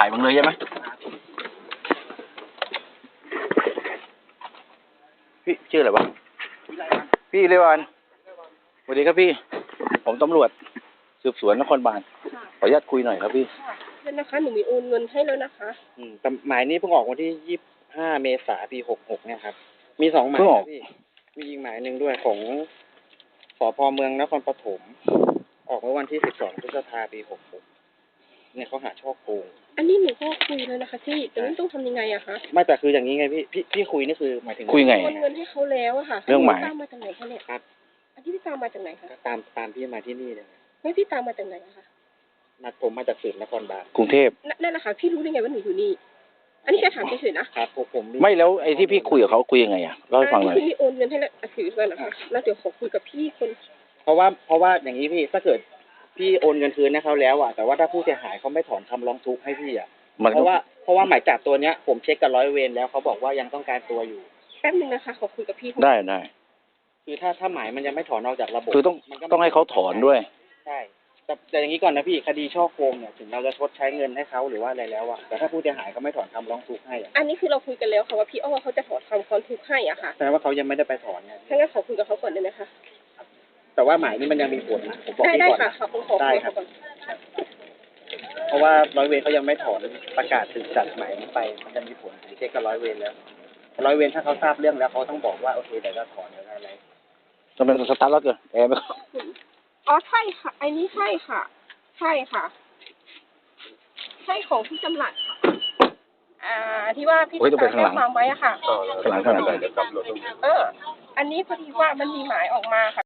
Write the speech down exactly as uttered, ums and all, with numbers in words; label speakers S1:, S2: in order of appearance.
S1: ถ่ายมึงเลยใช่ไหมพี่ชื่ออะไรวะพี่เรวันสวัสดีครับพี่ผมตำรวจสืบสวนนครบาลขออนุญาตคุยหน่อยครับพี่
S2: เดี๋ยวนะคะหนูมีโอนเงินให้แล้วนะคะ
S3: อืมแต่หมายนี้เพิ่งออกวันที่ยี่สิบห้าเมษายนปีหกหกเนี่ยครับมีสองหมายพี่มีอีกหมายหนึ่งด้วยของสภ.เมืองนครปฐมออกเมื่อวันที่สิบสองพฤษภาคมปีหกหกเนี่ยเขาหาช่อโกง
S2: อันนี้หนูก็คุยแล้วนะคะพี่แต่ไม่ต้องทำยังไงอะคะ
S3: ไม่แต่คืออย่างนี้ไงพี่พี่พี่คุยนี่คือหมายถึง
S1: คุยไง
S2: โอนเงินให้เขาแล้วอะค่ะ
S1: เรื่องหมาย
S2: ตามมาจากไหนคะเนี่ย
S3: ครับ
S2: อันที่พี่ตามมาจากไหนคะ
S3: ตามตามพี่มาที่นี่เลย
S2: ไม่พี่ตามมาจากไหนอะคะ
S3: นัดผมมาจากสืบนครบาล
S1: กรุงเทพ
S2: นั่นแหละค่ะพี่รู้ได้ไงว่าหนูอยู่นี่อันนี้แค่ถามเฉยๆนะครับ
S3: ผมผม
S1: ไม่แล้วไอ้ที่พี่คุยกับเขาคุยยังไงอ่ะเล่าให้ฟังหน่อย
S2: พี่โอนเงินให้แล้วถือก่อนนะคะแล้วเดี๋ยวขอคุยกับพี่คน
S3: เพราะว่าเพราะว่าอย่างนี้พี่ถ้าเกิดพี่โอนเงินคืนให้เขาแล้วอ่ะแต่ว่าถ้าผู้เสียหายเขาไม่ถอนคำร้องทุกข์ให้พี่อ่ะเพราะว่าเพราะว่าหมายจับตัวเนี้ยผมเช็คกับร้อยเวรแล้วเขาบอกว่ายังต้องการตัวอยู่
S2: แป๊บนึงนะคะขอคุยกับพี่
S1: ได้ได้
S3: คือถ้าถ้าหมายมันยังไม่ถอนออกจากระบบ
S1: คือต้องต้องให้เขาถอนด้วย
S3: ใช่แต่แต่อย่างนี้ก่อนนะพี่คดีช่อโกงเนี่ยถึงเราจะชดใช้เงินให้เขาหรือว่าอะไรแล้วอ่ะแต่ถ้าผู้เสียหายเขาไม่ถอนคำร้องทุกข์ให้อ่ะ
S2: อันนี้คือเราคุยกันแล้วค่ะว่าพี่อ้อเขาจะถอนคำร้องทุกข์ให้อ่ะค่ะ
S3: แสดงว่าเขายังไม่ได้ไปถอนไง
S2: ถ้างั้นขอคุยกับเขาก่อนได้ไหมคะ
S3: แต่ว่าหมายนี้มันยังมีผลนะผมบอกพี่ก่อน
S2: ได้ค่ะขอคุยกับเขาก่อน
S3: เพราะว่าร้อยเวรเขายังไม่ถอนประกาศถึงจัดหมายนี้ไปมันจะมีผลเช็คกับร้อยเวรแล้วร้อยเวรถ้าเขาทราบเรื่องแล้วเขาต้องบอกว่าโอเคเดี๋ยวจะถอนหรืออะไร
S1: จะเป็นสตาร์ทรถกันแอร์ไม่
S2: อ๋อใช่ค่ะไอ้นี่ใช่ค่ะใช่ค่ะใช่ของพี่จำหลัดค่ะอ่าที่ว่าพี่จะแจ้งความไว้อะค่ะ
S1: ข้างหลังข้างหลัง
S2: เอออันนี้พอดีว่ามันมีหมายออกมาค่ะ